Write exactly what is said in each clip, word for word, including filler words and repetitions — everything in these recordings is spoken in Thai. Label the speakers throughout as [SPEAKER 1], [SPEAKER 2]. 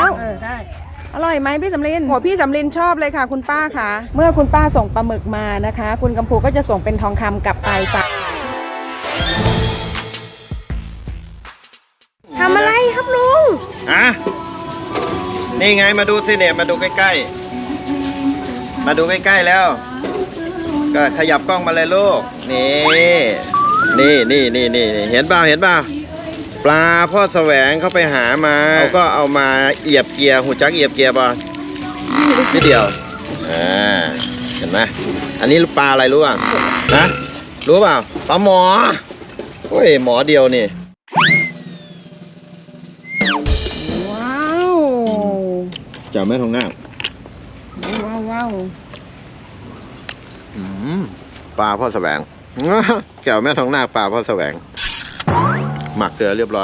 [SPEAKER 1] แล้ว
[SPEAKER 2] เออได้
[SPEAKER 1] อร่อยไหมพี่สำลินโหพี่สำลินชอบเลยค่ะคุณป้าค่ะเมื่อคุณป้าส่งปลาหมึกมานะคะคุณกัมพูก็จะส่งเป็นทองคำกลับไปฝากทำอะไรครับลุง
[SPEAKER 3] อ่ะนี่ไงมาดูสิเนี่ยมาดูใกล้ๆมาดูใกล้ๆแล้วก็ขยับกล้องมาเลยลูกนี่นี่นี่นี่นี่เห็นเปล่าเห็นเปล่าปลาพ่อแสวงเขาไปหามาเขาก็เอามาเอียบเกียร์หูจักเอียบเกียร์ป่ะนิดเดียวอ่าเห็นไหมอันนี้ปลาอะไรรู้อ่ะนะรู้เปล่าปลาหมอโอ้ยหมอเดียวนี่
[SPEAKER 1] ว้าว
[SPEAKER 3] จ่าแม่ทองหน้า
[SPEAKER 1] ว้าวว้าว
[SPEAKER 3] ปลาพ่อแสวงแก้วแม่ทองหน้าปลาพ่อแสวงหมักเกลือเรียบร้อย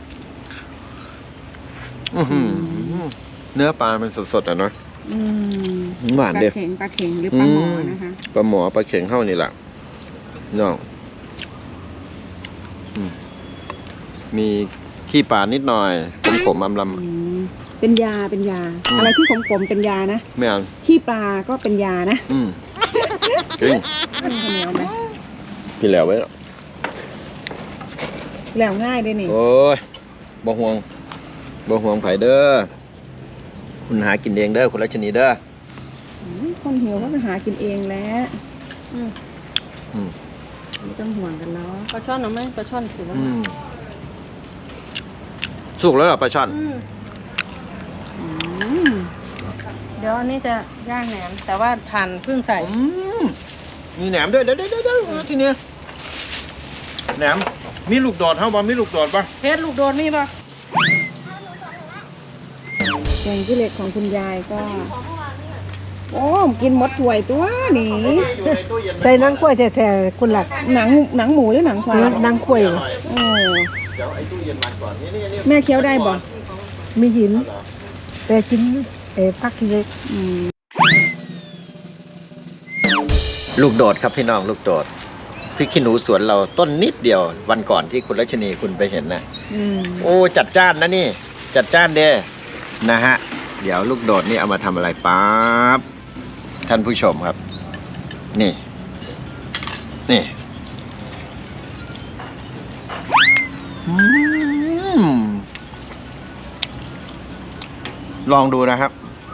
[SPEAKER 3] เนื้อปลาเป็นสดๆอ่ะเนาะหวานเด็ด
[SPEAKER 1] ปลาเข็งปลาเข็งหรือปลาหมอนะคะ
[SPEAKER 3] ปลาหมอปลาเข็งเข้านี่แหละน้องมีขี้ปลานิดหน่อยขมๆอำล
[SPEAKER 1] ำเป็นยาเป็นยาอะไรที่ขมๆเป็นยานะ
[SPEAKER 3] ไม่เอา
[SPEAKER 1] ขี้ปลาก็เป็นยานะ
[SPEAKER 3] อืมจริงพี่แหลวไว้
[SPEAKER 1] แหลวง่ายด้วยนี่
[SPEAKER 3] โอ้ยบ่ห่วงบ่ห่วงไผ่เด้อคุณหากินเองเด้อคุณรัชนีเด้อ
[SPEAKER 1] คนหิวก็ไปหากินเองแล้วไม่ต้องห่วงกันแล้ว
[SPEAKER 2] ปลาช่อนเอาไหมปลาช่อนถือว่า
[SPEAKER 3] สุกแล้วเหรอปลาช่อน
[SPEAKER 2] เดี๋ยวอันนี้จะย่างแหนมแต่ว่าทานเพิ่งใส่
[SPEAKER 3] มีแหนมด้วยเดี๋ยวเดี๋ยวเดี๋ยวทีนี้แหนมมีลูกโดดเท่าบ่มีลูกโดดป่ะ
[SPEAKER 2] เพชรลูกโดดมีป่ะ
[SPEAKER 1] แกงขี้เหล็กของคุณยายก็โอ้กินหมดถ้วยตัวนี่
[SPEAKER 2] ใส่นังกล้วยแท้ๆคุณหลัก
[SPEAKER 1] หนังหนังหมูหรือหนังควาย
[SPEAKER 2] นังกล้วย
[SPEAKER 1] โอ้แม่เคี้ยวได้บ่
[SPEAKER 2] มีหินแต่กินเอ๋พักขี้เหล็ก
[SPEAKER 3] ลูกโดดครับพี่น้องลูกโดดพริกขี้หนูสวนเราต้นนิดเดียววันก่อนที่คุณรัชนีคุณไปเห็นนะโอ้จัดจ้านนะนี่จัดจ้านเด้นะฮะเดี๋ยวลูกโดดนี่เอามาทำอะไรปั๊บท่านผู้ชมครับนี่นี่ลองดูนะครับ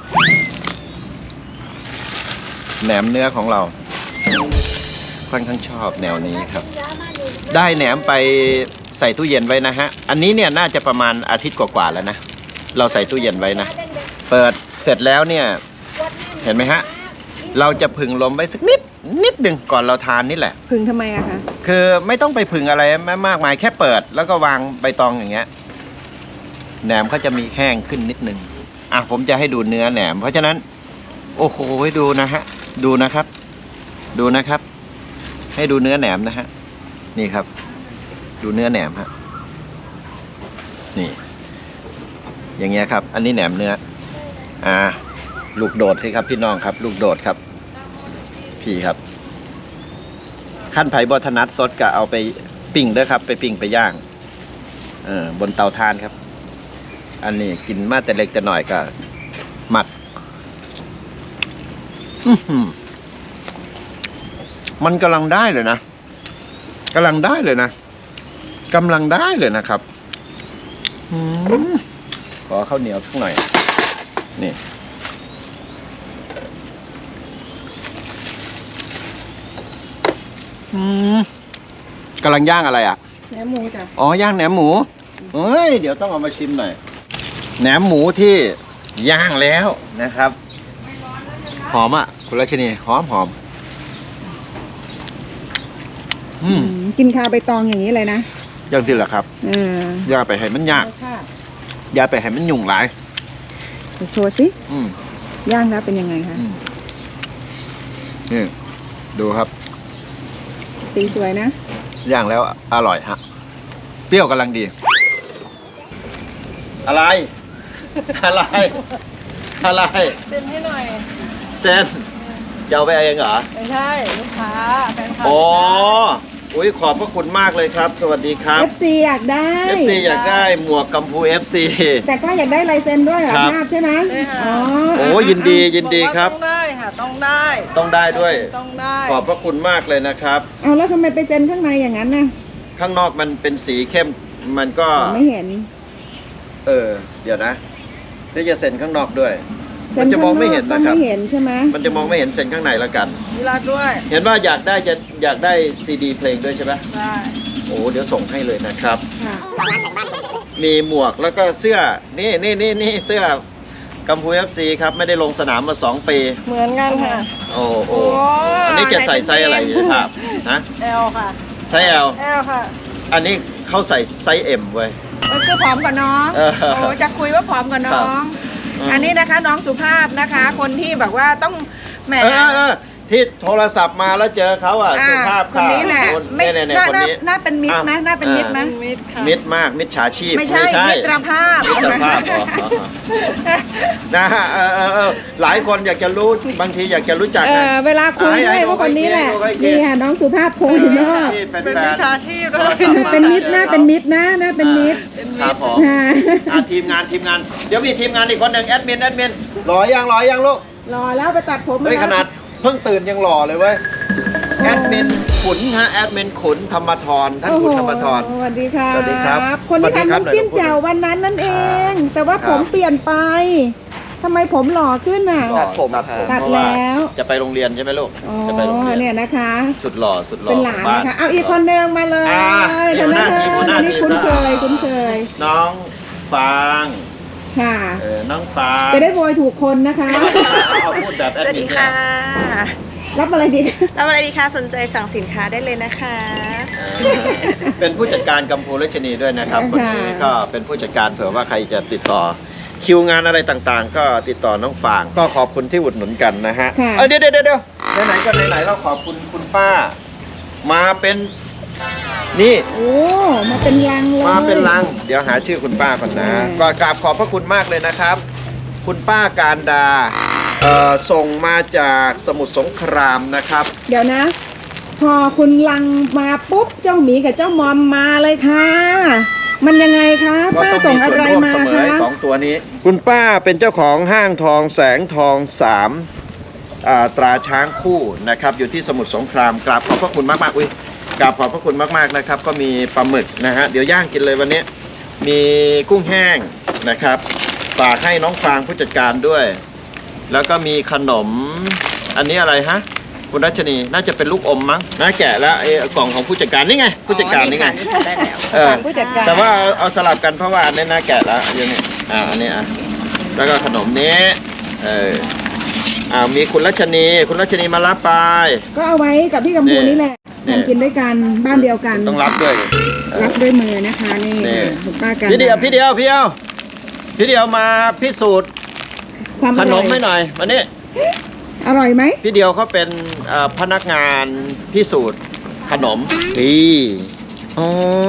[SPEAKER 3] แหนมเนื้อของเราค่อนข้างชอบแนวนี้ครับได้แหนมไปใส่ตู้เย็นไว้นะฮะอันนี้เนี่ยน่าจะประมาณอาทิตย์กว่าๆแล้วนะเราใส่ตู้เย็นไว้นะเปิดเสร็จแล้วเนี่ยเห็นไหมฮะเราจะผึ่งลมไว้สักนิดนิดหนึ่งก่อนเราทานนี่แหละ
[SPEAKER 1] ผึ่งทำไมอะคะ
[SPEAKER 3] คือไม่ต้องไปผึ่งอะไรมากมายแค่เปิดแล้วก็วางใบตองอย่างเงี้ยแหนมเขาจะมีแห้งขึ้นนิดนึงอ่ะผมจะให้ดูเนื้อแหนมเพราะฉะนั้นโอ้โหให้ดูนะฮะดูนะครับดูนะครับให้ดูเนื้อแหนมนะฮะนี่ครับดูเนื้อแหนมฮะนี่อย่างเงี้ยครับอันนี้แหนมเนื้ออ่าลูกโดดสิครับพี่น้องครับลูกโดดครับพี่ครับขั้นไผ่บอทนัดสดก็เอาไปปิ้งด้วยครับไปปิ้งไปย่างเออบนเตาถ่านครับอันนี้กินมาแต่เล็กแต่หน่อยก็หมักมันกำลังได้เลยนะกำลังได้เลยนะกำลังได้เลยนะครับขอข้าวเหนียวสักหน่อยนี่กำลังย่างอะไรอ่ะ
[SPEAKER 1] แหนมหมูจ้ะ
[SPEAKER 3] อ๋อย่างแหนมหมูเฮ้ยเดี๋ยวต้องเอามาชิมหน่อยแหนมหมูที่ย่างแล้วนะครับหอมอ่ะคุณรัชนีหอมหอม
[SPEAKER 1] กินข้าวใบตองอย่างนี้เลยนะ
[SPEAKER 3] อย่างที่แหละครับอย่าไปให้มันยากอย่าไปให้มันยุ่งหลาย
[SPEAKER 1] โชว์สิย่างแล้วเป็นยังไงคะ
[SPEAKER 3] นี่ดูครับ
[SPEAKER 1] สีสวยนะ
[SPEAKER 3] ย่างแล้วอร่อยฮะเปรี้ยวกำลังดีอะไรอะไรอะไร
[SPEAKER 2] เซ็นให้หน่อย
[SPEAKER 3] เซ็นจะเอาไปเองเหรอ
[SPEAKER 2] ไม่ใช่ลูกค้าแฟนคลับ
[SPEAKER 3] โอ้อุ้ยขอบพระคุณมากเลยครับ สวัสดีครับ
[SPEAKER 1] เอฟ ซี อยากได้
[SPEAKER 3] เอฟ ซี อยากได้หมวกกัมพู เอฟ ซี
[SPEAKER 1] แต่ก็อยากได้ลายเซ็นด้วยเหรอ
[SPEAKER 3] ครับ
[SPEAKER 1] ภาพใช่ไหม
[SPEAKER 2] ใช่ค่ะ
[SPEAKER 1] อ๋อ
[SPEAKER 3] โอ้ยินดียินดีครับ
[SPEAKER 2] ต้องได้ค่ะต้องได้
[SPEAKER 3] ต้องได้ด้วย
[SPEAKER 2] ต้องได้
[SPEAKER 3] ขอบพระคุณมากเลยนะครับ
[SPEAKER 1] เอาแล้วทำไมไปเซ็นข้างในอย่างนั้นน่ะ
[SPEAKER 3] ข้างนอกมันเป็นสีเข้มมันก็
[SPEAKER 1] ผมไม่เห็น
[SPEAKER 3] เออ เดี๋ยวนะที่จะเซ็นข้างนอกด้วย
[SPEAKER 1] เซ็
[SPEAKER 3] มัน นจะมองไม่เห็น
[SPEAKER 1] ข้า
[SPEAKER 3] นะ
[SPEAKER 1] ง
[SPEAKER 3] ครับ
[SPEAKER 1] ก็ไม่เห็นใช่ไหม
[SPEAKER 3] มันจะมองไม่เห็นเซ็นข้างในแล้วกัน
[SPEAKER 2] มีรัดด้วย
[SPEAKER 3] เห็นว่าอยากได้จะอยากได้ซีดีเพลงด้วยใช่ไหม
[SPEAKER 2] ได้
[SPEAKER 3] โอ้เดี๋ยวส่งให้เลยนะครับ
[SPEAKER 1] ค่ะ
[SPEAKER 3] มีหมวกแล้วก็เสื้อ นี่นี่นี่นี่เสื้อกัมพู เอฟ ซี ครับ ไม่ได้ลงสนามมาสองปี
[SPEAKER 2] เหมือนกันค่ะ
[SPEAKER 3] โอ้โห
[SPEAKER 2] โอ้
[SPEAKER 3] อันนี้จะใส่ไซส์อะไรครับฮะ
[SPEAKER 2] แอลค่ะ
[SPEAKER 3] ไซส์ L
[SPEAKER 2] แอลค่ะ
[SPEAKER 3] อันนี้เขาใส่ไซส์ M เว้ย
[SPEAKER 1] เออคือผอมกว่าน้อง
[SPEAKER 3] เออ
[SPEAKER 1] โอ้จะคุยว่าผอมกว่าน้
[SPEAKER 3] ครั
[SPEAKER 1] อบ ง
[SPEAKER 3] อืม
[SPEAKER 1] อันนี้นะคะน้องสุภาพนะคะ คนที่แบบว่าต้องแหม
[SPEAKER 3] เออเออเออที่โทรศัพท์มาแล้วเจอเขาอ่ะ
[SPEAKER 1] อ่า
[SPEAKER 3] สุภาพ
[SPEAKER 1] คนนี้แหละ
[SPEAKER 3] คน
[SPEAKER 1] ไม่
[SPEAKER 3] เนี่ยเนี่ย
[SPEAKER 1] น่า
[SPEAKER 3] คน
[SPEAKER 1] น่า
[SPEAKER 3] นี้
[SPEAKER 1] น่าเป็นมิตรไหม
[SPEAKER 3] อ่ะ
[SPEAKER 1] น่าเป็นมิตรไหม
[SPEAKER 2] มิดค่ะ
[SPEAKER 3] มิตรมากมิตรฉาชีพ
[SPEAKER 1] ไม่ใช่มิตรภาพ
[SPEAKER 3] มิตรภาพอ๋อนะฮะเออเออเออหลายคนอยากจะรู้บางทีอยากจะรู้จัก
[SPEAKER 1] เอ
[SPEAKER 3] นะ
[SPEAKER 1] อเวลาคุยด้วยว่าคนนี้แหละนี่ค่ะน้องสุภาพโพยนอก
[SPEAKER 3] ที่เป็น
[SPEAKER 2] เป็น
[SPEAKER 3] แฟ
[SPEAKER 2] วิ
[SPEAKER 3] น
[SPEAKER 2] ชาชีพ
[SPEAKER 3] โท
[SPEAKER 2] ด้
[SPEAKER 3] ร
[SPEAKER 2] วย
[SPEAKER 3] ศัพท์มา
[SPEAKER 1] เป็นมิตรนะเป็นมิตรนะนะเป็นมิตร
[SPEAKER 3] ครับผม
[SPEAKER 1] ค่ะ
[SPEAKER 3] อ่ะทีมงานทีมงาน เดี๋ยวมีทีมงานอีกคนหนึ่งแอดมินแอดมินรอยังรอยังลูก
[SPEAKER 1] รอแล้วไปตัดผม
[SPEAKER 3] เฮ้ย
[SPEAKER 1] แล้ว
[SPEAKER 3] ขนาดเพิ่งตื่นยังหล่อเลยเว้ยแอดมินขุนฮะแอดมินขุนธรรมทรท่านขุนธรรมทร
[SPEAKER 1] โอ้โหสวัสดีค่ะ
[SPEAKER 3] สวัสดีครับ
[SPEAKER 1] คนที่
[SPEAKER 3] สวัสดี
[SPEAKER 1] ทำ
[SPEAKER 3] ครับ
[SPEAKER 1] น้ำจิ้ม
[SPEAKER 3] หน่อย
[SPEAKER 1] แจ่ววันนั้นนั่นเอง แต่ว่า
[SPEAKER 3] ครับ
[SPEAKER 1] ผมเปลี่ยนไปทำไมผมหล่อขึ้นน่ะ
[SPEAKER 3] ตัดผมตัดผม
[SPEAKER 1] ตัด
[SPEAKER 3] เพราะว่า
[SPEAKER 1] แล้ว
[SPEAKER 3] จะไปโรงเรียนใช่ไหมลูก
[SPEAKER 1] อ๋อ
[SPEAKER 3] จะไปโรงเรียน
[SPEAKER 1] เนี่ยนะคะ
[SPEAKER 3] สุดหล่อสุดหล่อ
[SPEAKER 1] เป็นหลาน
[SPEAKER 3] บ้
[SPEAKER 1] นะคะเอาอีกคนเดิมมาเลย
[SPEAKER 3] อ่า
[SPEAKER 1] เดี๋ยวนะ
[SPEAKER 3] หัวหน้าทีมหัวหน้า
[SPEAKER 1] อันนี้
[SPEAKER 3] ทีม
[SPEAKER 1] คุ้นเคย
[SPEAKER 3] นะ
[SPEAKER 1] คุ้นเคย
[SPEAKER 3] น้องฟาง
[SPEAKER 1] ค่ะ
[SPEAKER 3] เออน้องฟาง
[SPEAKER 1] จะได้โวยถูกคนนะคะ
[SPEAKER 3] เอาพูดแบบแอด
[SPEAKER 4] สวัส
[SPEAKER 3] มิ
[SPEAKER 4] ดี
[SPEAKER 3] นเนี่ย
[SPEAKER 4] ค่ะ
[SPEAKER 1] รับอะไรดี
[SPEAKER 4] รับอะไรดีคะสนใจสั่งสินค้าได้เลยนะคะ
[SPEAKER 3] เป็นผู้จัดการกัมพูรัชนีด้วยนะครับวันนี้ก็เป็นผู้จัดการเผื่อว่าใครจะติดต่อคิวงานอะไรต่างๆ ก็ติดต่อน้องฟางก็ขอบคุณที่อุดหนุนกันนะฮะ
[SPEAKER 1] ค่ะ
[SPEAKER 3] เอ้ยเดี๋ยวเดี๋ยวเดี๋ยวไหนๆก็ไหนๆเราขอบคุณคุณป้า มาเป็นนี่
[SPEAKER 1] โอ้มาเป็นลังเลย
[SPEAKER 3] มาเป็นลัง เดี๋ยวหาชื่อคุณป้าก่อนนะ
[SPEAKER 1] อืม
[SPEAKER 3] ก็กราบขอบพระคุณมากเลยนะครับ คุณป้าการดาเอ่อส่งมาจากสมุทรสงครามนะครับ
[SPEAKER 1] เดี๋ยวนะ พอคุณลังมาปุ๊บเจ้าหมีกับเจ้ามอมมาเลยค่ะ มันยังไงคะ
[SPEAKER 3] ก็
[SPEAKER 1] ป้า
[SPEAKER 3] ต้อง
[SPEAKER 1] ส่ง
[SPEAKER 3] มี
[SPEAKER 1] อะ
[SPEAKER 3] ส่วน
[SPEAKER 1] ไร
[SPEAKER 3] ร่วม
[SPEAKER 1] มา
[SPEAKER 3] เสมอ
[SPEAKER 1] คะ
[SPEAKER 3] ไอ้สองตัวนี้ คุณป้าเป็นเจ้าของห้างทองแสงทองสามอ่าตราช้างคู่นะครับ อยู่ที่สมุทรสงครามกราบขอบพระคุณมากๆอุ้ยกราบขอบพระคุณมากๆนะครับ ก็มีปลาหมึกนะฮะเดี๋ยวย่างกินเลยวันนี้ มีกุ้งแห้งนะครับฝากให้น้องฟางผู้จัดการด้วย แล้วก็มีขนมอันนี้อะไรฮะคุณรัชนีน่าจะเป็นลูกอมมั้งน่าแกะแล้วไอ้กล่องของผู้จัดการนี่ไงผู้จัดการนี่ไง
[SPEAKER 4] ได้แล้ว
[SPEAKER 3] เออ
[SPEAKER 1] ผู้จัดการ
[SPEAKER 3] แต่ว่าเอาเอาสลับกันเพราะว่าอันนี้น่าแกะแล้วอันนี้อ่าอันนี้อ่ะแล้วก็ขนมนี้เอออ่ามีคุณรัชนีคุณรัชนีมารับไป
[SPEAKER 1] ก็เอาไว้กับพี่กัมพู
[SPEAKER 3] นี่
[SPEAKER 1] นี่แหละ
[SPEAKER 3] นี่
[SPEAKER 1] ทำกินด้วยกันบ้านเดียวกัน
[SPEAKER 3] ต้องรับด้วยเออ
[SPEAKER 1] รับด้วยมือนะคะนี่
[SPEAKER 3] นี่
[SPEAKER 1] คุณป้ากัน
[SPEAKER 3] พี่เดียวพี่เดียวพี่เดียวพี่เดียวมาพิสูจน์
[SPEAKER 1] ความ
[SPEAKER 3] ข
[SPEAKER 1] อน ร่อ
[SPEAKER 3] ม
[SPEAKER 1] ย
[SPEAKER 3] ให้หน่อยมานี่
[SPEAKER 1] อร่อยไหม
[SPEAKER 3] พี่เดียวเขาเป็นเอ่อพนักงานพิสูจน์ขนมนี่อ๋อ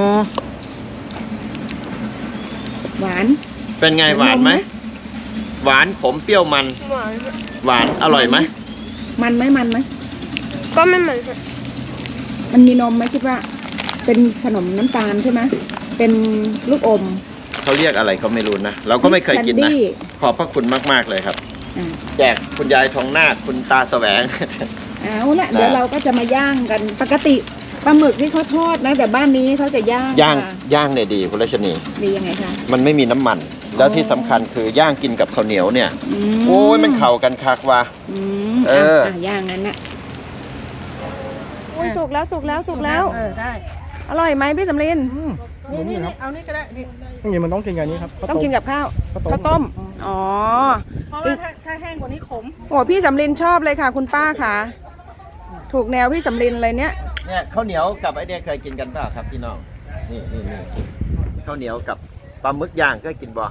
[SPEAKER 1] หวาน
[SPEAKER 3] เป็นไงหวานไหม
[SPEAKER 1] นมไหม
[SPEAKER 3] หวานขมเปรี้ยวมัน
[SPEAKER 4] หวาน
[SPEAKER 3] หวานอร่อยไหม
[SPEAKER 1] มันไหมมันไหม
[SPEAKER 4] ก็ไม่เหมือนกัน
[SPEAKER 1] มันมีนมไหมคิดว่า เป็นขนมน้ำตาลใช่ไหมเป็นลูกอม
[SPEAKER 3] เขาเรียกอะไรก็ไม่รู้นะ เราก็ไม่เคยกินนะ
[SPEAKER 1] แคนดี้
[SPEAKER 3] ขอบพระคุณมาก ๆ เลยครับ
[SPEAKER 1] อ่า
[SPEAKER 3] แจกคุณยายทองนาคคุณตาแสวง
[SPEAKER 1] เอาละเดี๋ยวเราก็จะมาย่างกันปกติปลาหมึกที่เขาทอดนะ แต่บ้านนี้เขาจะย่าง
[SPEAKER 3] ย่าง
[SPEAKER 1] ค่ะ
[SPEAKER 3] ย่างเนี่ยดีคุณรัชนี
[SPEAKER 1] ดียังไงคะ
[SPEAKER 3] มันไม่มีน้ำมัน แล้วที่สำคัญคือย่างกินกับข้าวเหนียวเนี่ย
[SPEAKER 1] ม
[SPEAKER 3] โอ้ยมันเข้ากันคักว่ะ
[SPEAKER 1] อืม
[SPEAKER 3] เออ
[SPEAKER 1] อ่ะย่างนั้นน่ะอุ้ยสุกแล้วสุกแล้วสุกแล้ว
[SPEAKER 2] เออได้
[SPEAKER 1] อร่อยไหมพี่สำลิน
[SPEAKER 2] นี่นี่นี่เอานี่ก็ได้ดิ
[SPEAKER 5] จริงๆมันต้องกินกับอันนี้ครับข้าว
[SPEAKER 1] ต้อง
[SPEAKER 5] ต้ม
[SPEAKER 1] กินกับข้าว
[SPEAKER 5] ข้าวต้ม
[SPEAKER 1] ข้าวต้มอ๋อ
[SPEAKER 2] เพราะว่าถ้าถ้าแห้งกว่านี้ขม
[SPEAKER 1] โอ้พี่สำลินชอบเลยค่ะ คุณป้าค่ะ ถูกแนวพี่สำลินเลยเนี้ย
[SPEAKER 3] เนี่ยข้าวเหนียวกับไอเนี่ยเคยกินกันเปล่าครับพี่น้อง นี่นี่นี่ข้าวเหนียวกับปลาหมึกย่างเคยกินบ่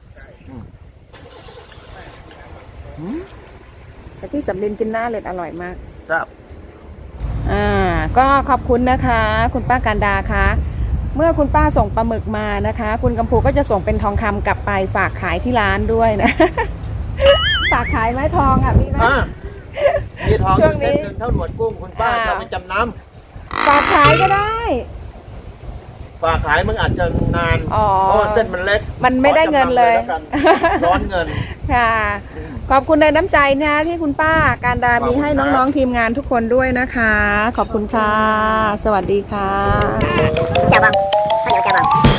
[SPEAKER 1] แต่พี่สำลินกินหน้าเล็ดอร่อยมาก
[SPEAKER 3] ครับ
[SPEAKER 1] อ่าก็ขอบคุณนะคะ คุณป้าการดาคะเมื่อคุณป้าส่งปลาหมึกมานะคะ คุณกัมพูก็จะส่งเป็นทองคำกลับไปฝากขายที่ร้านด้วยนะ ฝากขายไหมทองอ่ะมีไหม
[SPEAKER 3] อ่ะมีทองอ
[SPEAKER 1] ช่วง
[SPEAKER 3] ยู่
[SPEAKER 1] นี้
[SPEAKER 3] เส้นหนึ่งเท่าหนวดกุ้งคุณป้า
[SPEAKER 1] อ้าว
[SPEAKER 3] จะไปจำน
[SPEAKER 1] ฝากขายก็ได้
[SPEAKER 3] ฝากขายมึงอาจจะนาน
[SPEAKER 1] อ๋อ
[SPEAKER 3] เพราะว่าเส้นมันเล็ก
[SPEAKER 1] มันไม่ได้เงินเลย
[SPEAKER 3] ขอจำำแล้วกันร้อนเงิน
[SPEAKER 1] ค่ะ ขอบคุณในน้ำใจนะที่คุณป้าการดามีให้น้องๆทีมงานทุกคนด้วยนะคะ ขอบคุณค่ะ สวัสดีค่ะ
[SPEAKER 5] chào vâng, chào vâng.